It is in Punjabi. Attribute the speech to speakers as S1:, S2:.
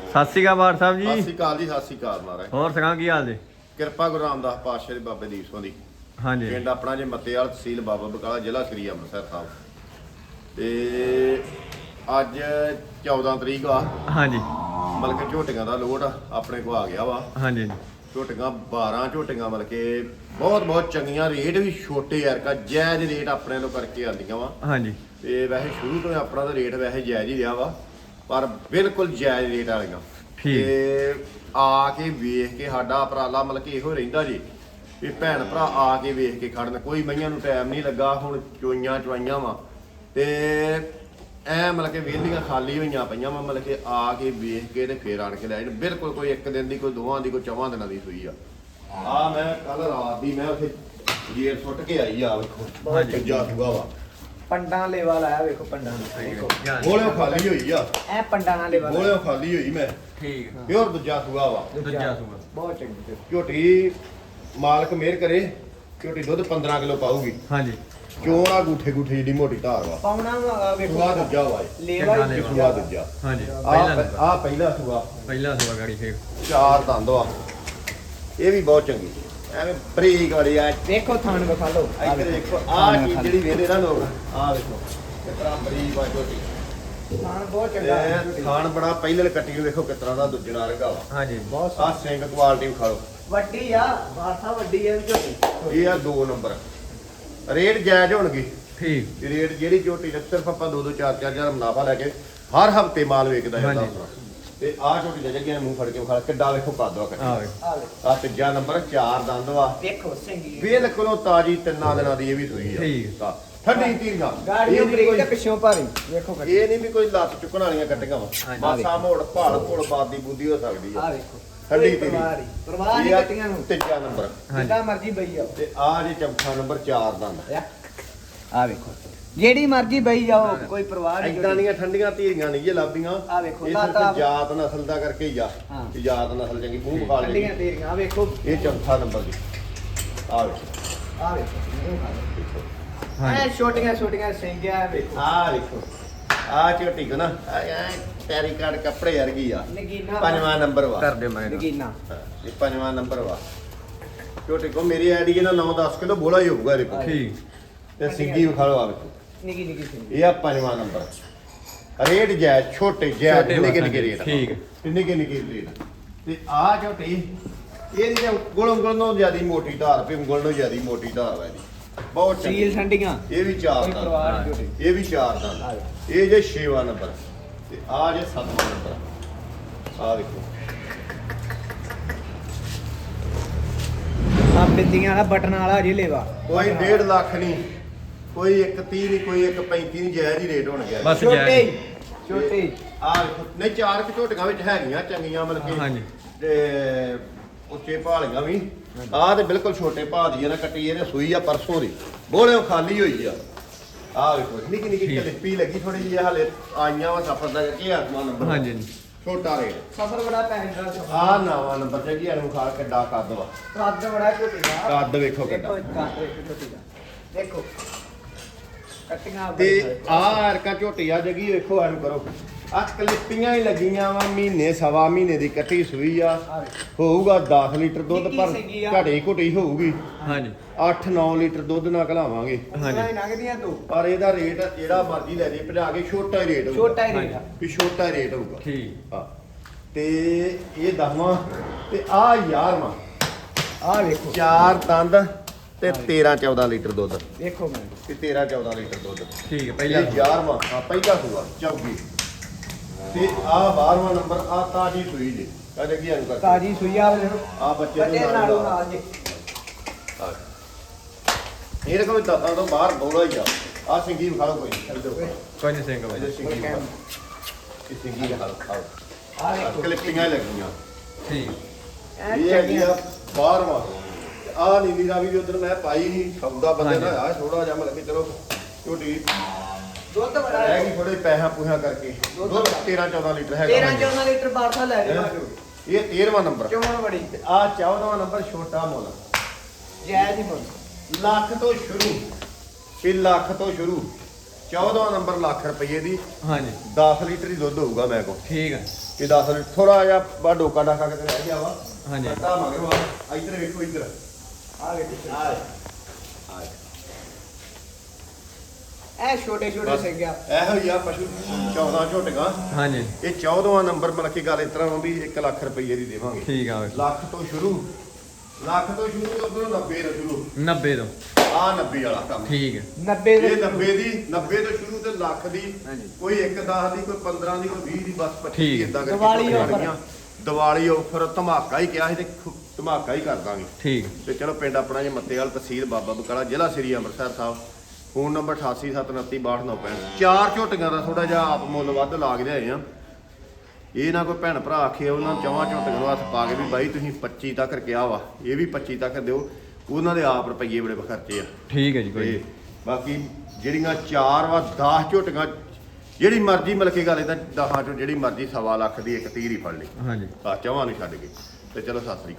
S1: ਸਤਿ ਸ਼੍ਰੀ ਅਕਾਲ ਬਾਰ ਸਾਹਿਬ ਜੀ।
S2: ਸਤਿ ਸ਼੍ਰੀ ਅਕਾਲ ਜੀ, ਸਤਿ ਸ਼੍ਰੀ ਅਕਾਲ ਮਹਾਰਾਜ।
S1: ਹੋਰ ਸੁਣਾ ਕੀ ਹਾਲ ਜੀ?
S2: ਕਿਰਪਾ ਗੁਰੂ ਰਾਮਦਾਸ ਪਾਤਸ਼ਾਹ ਦੇ ਬਾਬੇ ਦੀਪ ਸਿੰਘ ਦੀ।
S1: ਹਾਂਜੀ
S2: ਪਿੰਡ ਆਪਣਾ ਜੇ ਮੱਤੇਵਾਲ, ਤਹਿਸੀਲ ਬਾਬਾ ਬਕਾਲਾ, ਜ਼ਿਲ੍ਹਾ ਸ੍ਰੀ ਅੰਮ੍ਰਿਤਸਰ ਸਾਹਿਬ। ਤੇ ਅੱਜ 14 ਤਰੀਕ ਆ।
S1: ਹਾਂਜੀ
S2: ਮਤਲਬ ਕਿ ਝੋਟੀਆਂ ਦਾ ਲੋਡ ਆਪਣੇ ਕੋ ਆ ਗਿਆ ਵਾ।
S1: ਹਾਂਜੀ
S2: ਝੋਟੀਆਂ 12 ਝੋਟੀਆਂ ਮਤਲਬ ਕਿ ਬਹੁਤ ਚੰਗੀਆਂ, ਰੇਟ ਵੀ ਛੋਟੇ ਯਾਰ ਕਾ ਜਾਇਜ਼ ਰੇਟ ਆਪਣੇ ਤੋਂ ਕਰਕੇ ਆਉਂਦੀਆਂ ਵਾ।
S1: ਹਾਂਜੀ
S2: ਤੇ ਵੈਸੇ ਸ਼ੁਰੂ ਤੋਂ ਆਪਣਾ ਤਾਂ ਰੇਟ ਵੈਸੇ ਜਾਇਜ਼ ਹੀ ਰਿਹਾ ਵਾ, ਪਰ ਬਿਲਕੁਲ ਜਾਇਜ਼ ਰੇਟ ਵਾਲੀਆਂ।
S1: ਠੀਕ।
S2: ਤੇ ਆ ਕੇ ਵੇਖ ਕੇ ਸਾਡਾ ਉਪਰਾਲਾ ਮਤਲਬ ਕਿ ਇਹੋ ਰਹਿੰਦਾ ਜੀ ਵੀ ਭੈਣ ਭਰਾ ਆ ਕੇ ਵੇਖ ਕੇ ਖੜਨ। ਕੋਈ ਮਈਆਂ ਨੂੰ ਟਾਈਮ ਨਹੀਂ ਲੱਗਾ, ਹੁਣ ਚੋਈਆਂ ਵਾ ਤੇ ਐ ਮਤਲਬ ਕਿ ਵਿਹਲੀਆਂ ਖਾਲੀ ਹੋਈਆਂ ਪਈਆਂ ਵਾ, ਮਤਲਬ ਕਿ ਆ ਕੇ ਵੇਖ ਕੇ ਤੇ ਫੇਰ ਆਣ ਕੇ ਲੈ ਜਾਣ। ਬਿਲਕੁਲ ਕੋਈ ਇੱਕ ਦਿਨ ਦੀ, ਕੋਈ ਦੋਵਾਂ ਦੀ, ਕੋਈ 4 ਦਿਨਾਂ ਦੀ ਸੂਈ ਆ ਮੈਂ ਕੱਲ ਰਾਤ ਦੀ ਮੈਂ ਉੱਥੇ ਗੇਰ ਸੁੱਟ ਕੇ ਆਈ ਆ। ਵੇਖੋ
S1: ਹਾਂਜੀ।
S2: ਜਾ ਸੂਆ ਵਾ,
S3: ਪੰਡਾਂ ਲੇਵਾ ਲਾਇਆ ਵੇਖੋ, ਪੰਡਾਂ ਨੂੰ ਵੇਖੋ
S2: ਗੋਲਿਓ ਖਾਲੀ ਹੋਈ ਆ।
S3: ਐ ਪੰਡਾਂ ਨਾਲ ਲੇਵਾ
S2: ਗੋਲਿਓ ਖਾਲੀ ਹੋਈ ਮੈਂ,
S1: ਠੀਕ
S2: ਪਿਓਰ ਦੂਜਾ ਸੂਆ ਵਾ।
S1: ਦੂਜਾ ਸੂਆ
S3: ਬਹੁਤ ਚੰਗੀ।
S2: ਝੋਟੀ ਮਾਲਕ ਮਿਹਰ ਕਰੇ, ਝੋਟੀ ਦੁੱਧ 15 ਕਿਲੋ ਪਾਊਗੀ।
S1: ਹਾਂਜੀ
S2: ਚੋਣਾ ਗੂਠੇ ਜਿਹੜੀ ਮੋਟੀ ਧਾਰ ਵਾ।
S3: ਪਾਉਣਾ ਵੇਖੋ
S2: ਸੂਆ ਦੂਜਾ ਵਾ
S3: ਲੇਵਾ
S1: ਚੰਗਾ
S3: ਹੀ
S1: ਲੇਵਾ।
S2: ਸੂਆ ਦੂਜਾ।
S1: ਹਾਂਜੀ ਪਹਿਲਾ ਨੰਬਰ,
S2: ਆ ਪਹਿਲਾ ਸੂਆ,
S1: ਪਹਿਲਾ ਸੂਆ ਗਾੜੀ ਫੇਰ
S2: 4 ਦੰਦ ਵਾ। ਇਹ ਵੀ ਬਹੁਤ ਚੰਗੀ, ਐਵੇਂ ਬਰੀਕ ਵਾਲੀ ਆ।
S3: ਵੇਖੋ ਥਾਣ ਵਿਖਾ ਲਓ।
S2: ਇੱਧਰ ਦੇਖੋ ਆ ਚੀਜ਼ ਜਿਹੜੀ ਵੇਖਦੇ ਨਾ ਲੋਕ, ਆ ਵੇਖੋ ਕਿਤਨਾ ਬਰੀਕ ਆ ਝੋਟੀ।
S3: ਥਾਣ ਬਹੁਤ ਚੰਗਾ।
S2: ਤੇ ਖਾਣ ਬੜਾ ਪਹਿਲੇ ਕੱਟੀ ਨੂੰ ਵੇਖੋ ਕਿਤਨਾ ਦਾ ਦੁੱਜਣਾ ਰੰਗਾ ਵਾ।
S1: ਹਾਂਜੀ
S3: ਬਹੁਤ
S2: ਆ ਸਿੰਘ ਕੁਆਲਿਟੀ ਵਿਖਾ ਲਓ।
S3: ਵੱਡੀ ਆ, ਬਾਸਾ ਵੱਡੀ ਆ ਝੋਟੀ।
S2: ਇਹ ਆ 2 ਨੰਬਰ। ਰੇਟ ਜਾਇਜ਼ ਹੋਣਗੇ।
S1: ਠੀਕ
S2: ਰੇਟ ਜਿਹੜੀ ਝੋਟੀ ਦਾ ਸਿਰਫ ਆਪਾਂ 2-2 4-4 ਹਜ਼ਾਰ ਮੁਨਾਫਾ ਲੈ ਕੇ ਹਰ ਹਫਤੇ ਮਾਲ ਵੇਚਦਾ ਜਾਂਦਾ
S1: ਹਾਂਜੀ।
S2: ਆਪਣਾ। ਤੇ ਆਹ ਝੋਟੀ ਦੇ ਜੱਗੇ ਮੂੰਹ ਫੜ ਕੇ ਵਿਖਾ ਕਿੱਡਾ ਵੇਖੋ ਕੱਦ ਵਾ ਕੱਟੀ।
S1: ਆ ਵੇ
S3: ਆ ਵੇਖੋ
S2: ਆ ਤੀਜਾ ਨੰਬਰ 4 ਦੰਦ ਵਾ।
S3: ਵੇਖੋ ਸਿੰਘੀ
S2: ਬਿਲਕੁਲ ਤਾਜੀ 3 ਦਿਨਾਂ ਦੀ ਇਹ ਵੀ ਸੂਈ ਆ।
S1: ਠੀਕ।
S2: ਆ, ਠੰਡੀ ਧੀਰੀਆਂ।
S3: ਗਾੜੀਆਂ
S2: ਇਹ
S3: ਬਰੀਕ ਤੇ
S2: ਨਹੀਂ
S3: ਪਿੱਛੋਂ ਭਾਰੀ ਵੇਖੋ
S2: ਕੋਈ- ਇਹ ਨਹੀਂ ਵੀ ਕੋਈ ਲੱਤ ਚੁੱਕਣ ਵਾਲੀਆਂ ਕੱਟੀਆਂ ਵਾ।
S1: ਹਾਂਜੀ।
S2: ਮਾਸਾ ਮੋੜ ਭਾਲ ਭੋਲ ਬਾਦੀ ਬੁੱਧੀ ਹੋ ਸਕਦੀ
S3: ਆ
S2: ਆ।
S3: ਵੇਖੋ
S2: ਠੰਡੀ
S3: ਕੋਈ
S2: ਧੀਰੀ।
S3: ਪਰਵਾਹ ਨਹੀਂ
S2: ਇਹ ਆ
S3: ਕੱਟੀਆਂ ਨੂੰ।
S2: ਤੀਜਾ ਨੰਬਰ।
S3: ਜਿੱਦਾਂ ਮਰਜ਼ੀ ਬਈ ਜਾਓ।
S2: ਤੇ ਆ ਜੇ ਚੌਥਾ ਨੰਬਰ 4 ਦੰਦ।
S3: ਆ ਵੇਖੋ ਜਿਹੜੀ ਮਰਜ਼ੀ ਬਈ ਜਾਓ, ਕੋਈ ਪਰਵਾਹ ਨਹੀਂ।
S2: ਇਦਾਂ ਦੀਆਂ ਠੰਡੀਆਂ ਧੀਰੀਆਂ ਨਹੀਂ ਜੇ ਲੱਭਦੀਆਂ।
S3: ਆ ਵੇਖੋ,
S2: ਇਹ
S3: ਲੱਤ ਆ।
S2: ਸਿਰਫ ਜਾਤ ਨਸਲ ਦਾ ਕਰਕੇ ਹੀ ਆ।
S3: ਹਾਂ।
S2: ਕਿ ਜਾਤ ਨਸਲ ਚੰਗੀ ਮੂੰਹ ਬਖਾ
S3: ਠੰਡੀਆਂ
S2: ਲੈਂਦੀ।
S3: ਤੇਰੀਆਂ ਆ ਵੇਖੋ।
S2: ਇਹ ਚੌਥਾ ਨੰਬਰ ਦੀ। ਆ ਵੇਖੋ,
S3: ਆ ਵੇਖੋ ਐ
S1: ਹਾਂਜੀ
S3: ਛੋਟੀਆਂ ਸਿੰਘਿਆ ਵੇਖੋ।
S2: ਆ ਵੇਖੋ ਆ ਝੋਟੀ ਕੋ ਨਾ ਐ ਪੈਰੀ ਕਾਰਡ ਕੱਪੜੇ ਵਰਗੀ ਆ।
S3: ਨਗੀਨਾ
S2: 5ਵਾਂ ਨੰਬਰ ਵਾ।
S1: ਕਰ ਦਿਓ ਮੈਂ
S3: ਨਗੀਨਾ
S2: ਹਾਂ, ਇਹ 5ਵਾਂ ਨੰਬਰ ਵਾ। ਝੋਟੀ ਕੋ ਮੇਰੀ ਆਈਡੀ ਇਹਦਾ 9-10 ਕਿਲੋ ਬੋਲਾ ਹੀ ਹੋਊਗਾ ਇਹਦੇ ਕੋਲ।
S1: ਠੀਕ
S2: ਤੇ ਸਿੰਗੀ ਵਿਖਾ ਲਓ ਆ ਵੇਖੋ।
S3: ਨਿੱਕੀ ਸਿੰਘ।
S2: ਇਹ ਆ 5ਵਾਂ ਨੰਬਰ। ਰੇਟ ਜਾਇਜ਼, ਛੋਟੇ ਜਾਇਜ਼,
S1: ਛੋਟੇ
S2: ਨਿੱਕੇ
S1: ਵਾ,
S2: ਨਿੱਕੇ ਰੇਟ।
S1: ਠੀਕ।
S2: ਨਿੱਕੇ ਰੇਟ। ਤੇ ਆ ਝੋਟੀ ਇਹਦੀ ਤੇ ਉਂਗਲ ਨੂੰ ਜਿਆਦੀ ਮੋਟੀ ਧਾਰ, ਪਈ ਉਂਗਲ ਨੂੰ ਜਿਆਦੀ ਮੋਟੀ ਧਾਰ ਵਾ ਇਹਦੀ। ਬਹੁਤ
S3: ਸੀਲ
S2: ਚੰਗੀ।
S3: ਠੰਡੀਆਂ
S2: ਇਹ ਵੀ 4
S3: ਕੋਈ ਪਰਵਾਹ ਨਹੀਂ
S2: ਦੰਦ।
S3: ਝੋਟੀ।
S2: ਇਹ ਵੀ 4 ਦੰਦ। ਇਹ ਜੇ 6ਵਾਂ ਨੰਬਰ। ਤੇ ਆ ਜੇ 7ਵਾਂ ਨੰਬਰ। ਆ ਦੇਖੋ
S3: ਆ ਬਿੰਦੀਆਂ ਵਾਲਾ ਬਟਨ ਵਾਲਾ ਜੀ ਲੇਵਾ।
S2: ਕੋਈ 1.5 ਲੱਖ ਨਹੀਂ, ਕੋਈ 1.30 ਨਹੀਂ, ਕੋਈ 1.35 ਨਹੀਂ, ਜਾਇਜ਼ ਹੀ ਰੇਟ ਹੋਣ ਗਿਆ।
S1: ਬਸ
S3: ਛੋਟੇ
S1: ਜਾਇਜ਼।
S3: ਛੋਟੇ
S2: ਆ ਵੇਖੋ ਨਹੀਂ 4 ਕਿ ਝੋਟੀਆਂ ਵਿੱਚ ਹੈਗੀਆਂ ਚੰਗੀਆਂ ਮਤਲਬ ਕਿ
S1: ਹਾਂਜੀ।
S2: ਤੇ ਉੱਚੇ ਭਾਲੀਆਂ ਵੀ। ਆਹ ਤੇ ਬਿਲਕੁਲ ਛੋਟੇ ਭਾਅ ਦੀ ਆ ਨਾ ਕੱਟੀ। ਇਹਨੇ ਸੂਈ ਆ ਪਰਸੋਂ ਦੀ, ਬੋਲਿਓ ਖਾਲੀ ਹੋਈ ਆ। ਆਹ ਵੇਖੋ ਨਿੱਕੀ
S1: ਠੀਕ।
S2: ਕਲਿੱਪੀ ਲੱਗੀ ਥੋੜੀ ਜਿਹੀ, ਹਾਲੇ ਆਈਆਂ ਵਾ ਸਫਰ ਦਾ ਕਰਕੇ। ਆਤਮਾ ਨੰਬਰ
S1: ਹਾਂਜੀ
S2: ਛੋਟਾ ਰੇਟ।
S3: ਸਫਰ ਬੜਾ ਪੈਂਦਾ।
S2: ਆ ਨਵਾਂ ਨੰਬਰ ਤੇ ਕੀ ਇਹਨੂੰ ਖਾ ਕਿੱਡਾ ਕੱਦ ਵਾ।
S3: ਕੱਦ ਬੜਾ ਝੋਟੀ ਦਾ।
S2: ਕੱਦ ਵੇਖੋ ਕਿੱਡਾ।
S3: ਕੱਦ ਵੇਖੋ ਝੋਟੀ ਦਾ। ਦੇਖੋ ਕੱਟੀਆਂ
S2: ਤੇ ਆ ਅਰਕਾ ਝੋਟੀ ਆ ਜਗੀ ਵੇਖੋ ਇਹਨੂੰ ਕਰੋ। ਆ ਕਲਿੱਪੀਆਂ ਹੀ ਲੱਗੀਆਂ ਵਾ, ਮਹੀਨੇ ਸਵਾ ਮਹੀਨੇ ਦੀ ਕੱਟੀ ਸੂਈ ਆ।
S3: ਆ ਵੇਖੋ
S2: ਹੋਊਗਾ 10 ਲੀਟਰ ਦੁੱਧ,
S3: ਨਿੱਕੀ
S2: ਪਰ
S3: ਸੀਗੀ ਆ।
S2: ਘਟੀ ਘੁਟੀ ਹੋਊਗੀ।
S1: ਹਾਂਜੀ
S2: 8-9 ਲੀਟਰ ਦੁੱਧ ਨਾ ਘਲਾਵਾਂਗੇ।
S3: ਹਾਂਜੀ ਨਗਦੀਆਂ ਤੂੰ
S2: ਪਰ ਇਹਦਾ ਰੇਟ ਜਿਹੜਾ ਮਰਜ਼ੀ ਲੈ ਜੇ ਭਜਾ ਕੇ ਛੋਟਾ ਹੀ ਰੇਟ ਹੋਊਗਾ।
S3: ਛੋਟਾ ਹੀ ਰੇਟ ਆ।
S2: ਵੀ ਛੋਟਾ ਹੀ ਰੇਟ ਹੋਊਗਾ।
S1: ਠੀਕ
S2: ਹਾਂ। ਤੇ ਇਹ 10ਵਾਂ ਤੇ ਆ 11ਵਾਂ।
S3: ਆ ਵੇਖੋ
S2: 4 ਦੰਦ ਤੇ 13-14 ਲੀਟਰ ਦੁੱਧ।
S3: ਵੇਖੋ ਮੈਂ
S2: ਤੇ 13-14 ਲੀਟਰ ਦੁੱਧ।
S1: ਠੀਕ ਹੈ
S2: ਪਹਿਲਾ
S1: ਪਹਿਲਾ
S2: 11ਵਾਂ। ਹਾਂ ਪਹਿਲਾ ਸੂਆ ਚੌਗੀ। ਤੇ ਆ 12ਵਾਂ ਨੰਬਰ। ਆ ਤਾਜੀ ਸੂਈ ਜੀ ਕਹਦੇ ਕੀ ਇਹਨੂੰ ਕਰ
S3: ਤਾਜੀ ਸੂਈਆ ਵੇ
S2: ਆ ਬੱਚੇ
S3: ਬੱਚੇ ਨਾਲੋਂ ਨਾਲ ਜੀ।
S2: ਇਹ ਰਕਮ ਦਸਾਂ ਤੋਂ ਬਾਹਰ ਬੋਲਾ ਹੀ ਆ। ਆ ਸਿੰਗੀ ਵਿਖਾ ਲਓ ਕੋਈ ਇੱਧਰ
S1: ਕੋਈ ਨਹੀਂ ਸਿੰਘ
S2: ਇਹਦੇ
S1: ਬਾਈ।
S2: ਸਿੰਗੀ ਵਿਖਾ ਲਓ। ਇਹ ਸਿੰਗੀ ਵਿਖਾ ਲਓ ਖਾਓ।
S3: ਆ ਵੇਖੋ
S2: ਕਲਿੱਪਿੰਗਾਂ ਹੀ ਲੱਗੀਆਂ।
S1: ਠੀਕ
S3: ਐ
S2: ਇਹ ਹੈਗੀ
S3: ਚੰਗੀਆਂ।
S2: ਆ 12ਵਾਂ। ਆ ਨੀਲੀ ਰਾਵੀ ਵੀ ਉਧਰ ਮੈਂ ਪਾਈ ਨਹੀਂ, ਸੌਦਾ ਬੰਦੇ ਨਾਲ ਆ ਥੋੜਾ ਜਿਹਾ ਮਤਲਬ ਕਿ ਚਲੋ ਝੋਟੀ
S3: ਦੁੱਧ ਬੜਾ
S2: ਰਹਿ ਗਈ ਥੋੜੇ ਪੈਸਾ ਪੂਹਾ ਕਰਕੇ। ਦੁੱਧ 13-14 ਲੀਟਰ ਹੈਗਾ।
S3: 13-14 ਲੀਟਰ ਬਾਰਸਾ ਲੈ ਜਾਓ।
S2: ਇਹ 13ਵਾਂ ਨੰਬਰ।
S3: ਚੋਣ ਬੜੀ
S2: ਤੇ ਆ 14ਵਾਂ ਨੰਬਰ ਛੋਟਾ ਮੁੱਲ।
S3: ਜਾਇਜ਼ ਹੀ ਬੋਲ।
S2: ਲੱਖ ਤੋਂ ਸ਼ੁਰੂ। ਇਹ ਲੱਖ ਤੋਂ ਸ਼ੁਰੂ। 14ਵਾਂ ਨੰਬਰ ਲੱਖ ਰੁਪਏ ਦੀ।
S1: ਹਾਂਜੀ
S2: 10 ਲੀਟਰ ਹੀ ਦੁੱਧ ਹੋਊਗਾ ਮੈਂ ਕੋਲ।
S1: ਠੀਕ ਹੈ
S2: ਇਹ 10 ਲੀਟਰ ਥੋੜਾ ਜਿਹਾ ਬਾ ਡੋਕਾ ਡਾਕਾ ਕਿਤੇ ਰਹਿ ਗਿਆ ਵਾ
S1: ਹਾਂਜੀ।
S2: ਕੱਟਾ ਮਗਰੋਂ ਆ ਇੱਧਰ ਵੇਖੋ ਇੱਧਰ ਆ ਵੇਖੋ ਆ
S3: ਇਹ ਛੋਟੇ ਛੋਟੇ ਸਿੰਘ ਆ
S2: ਇਹੋ ਹੀ ਆ ਪਸ਼ੂ 14 ਝੋਟੀਆਂ
S1: ਹਾਂਜੀ
S2: ਇਹ 14ਵਾਂ ਨੰਬਰ ਮਤਲਬ ਕਿ ਗੱਲ ਇਸ ਤਰ੍ਹਾਂ ਵਾ ਵੀ 1 ਲੱਖ ਰੁਪਏ ਦੀ ਦੇਵਾਂਗੇ
S1: ਠੀਕ ਆ ਵੇਖੋ
S2: ਲੱਖ ਤੋਂ ਸ਼ੁਰੂ ਤੇ ਉਧਰੋਂ 90 ਤੋਂ ਸ਼ੁਰੂ
S1: 90 ਤੋਂ
S2: ਆ 90 ਵਾਲਾ ਕੰਮ
S1: ਠੀਕ ਹੈ
S3: 90
S2: ਇਹ
S3: ਦੇ
S2: 90 ਦੀ 90 ਤੋਂ ਸ਼ੁਰੂ ਤੇ ਲੱਖ ਦੀ
S3: ਹਾਂਜੀ।
S2: ਕੋਈ 1 10 ਦੀ ਕੋਈ 15 ਦੀ ਕੋਈ 20 ਦੀ ਬਸ 25
S1: ਠੀਕ।
S2: ਇਦਾਂ ਕਰਕੇ
S3: ਦੀਵਾਲੀ
S2: ਝੋਟੀਆਂ
S3: offer।
S2: ਲੱਗੀਆਂ। ਦੀਵਾਲੀ ਆਫਰ ਧਮਾਕਾ ਹੀ ਕਿਹਾ ਸੀ ਤੇ ਧਮਾਕਾ ਹੀ ਕਰ ਦਾਂਗੇ
S1: ਠੀਕ
S2: ਤੇ ਚਲੋ ਪਿੰਡ ਆਪਣਾ ਜੇ ਮੱਤੇਵਾਲ ਤਹਿਸੀਲ ਬਾਬਾ ਬਕਾਲਾ ਜ਼ਿਲ੍ਹਾ ਸ੍ਰੀ ਅੰਮ੍ਰਿਤਸਰ ਸਾਹਿਬ ਫੋਨ ਨੰਬਰ 8879262965 ਚਾਰ ਝੋਟੀਆਂ ਦਾ ਥੋੜਾ ਜਿਹਾ ਆਪ ਮੁੱਲ ਵੱਧ ਲਾਗ ਲਿਆਏ ਆ ਇਹ ਨਾ ਕੋਈ ਭੈਣ ਭਰਾ ਆਖੇ ਉਹਨਾਂ ਚੌਵਾਂ ਝੋਟੀਆਂ ਨੂੰ ਹੱਥ ਪਾ ਕੇ ਵੀ ਬਾਈ ਤੁਸੀਂ 25 ਤੱਕ ਕਿਹਾ ਵਾ ਇਹ ਵੀ 25 ਤੱਕ ਦਿਓ ਉਹਨਾਂ ਦੇ ਆਪ ਰੁਪਈਏ ਬੜੇ ਖਰਚੇ ਆ
S1: ਠੀਕ ਹੈ ਜੀ ਕੋਈ
S2: ਤੇ ਬਾਕੀ ਜਿਹੜੀਆਂ ਚਾਰ ਵਾ 10 ਝੋਟੀਆਂ ਜਿਹੜੀ ਮਰਜ਼ੀ ਮਿਲ ਕੇ ਗੱਲ ਇਹਦਾ 10 ਚੋਂ ਜਿਹੜੀ ਮਰਜ਼ੀ 1.25 ਲੱਖ ਦੀ ਇੱਕ ਤੀਰ ਹੀ ਫੜ ਲਈ
S1: ਹਾਂਜੀ
S2: ਆ ਚੌਵਾਂ ਨੂੰ ਛੱਡ ਕੇ ਤੇ ਚਲੋ ਸਤਿ ਸ੍ਰੀ ਅਕਾਲ।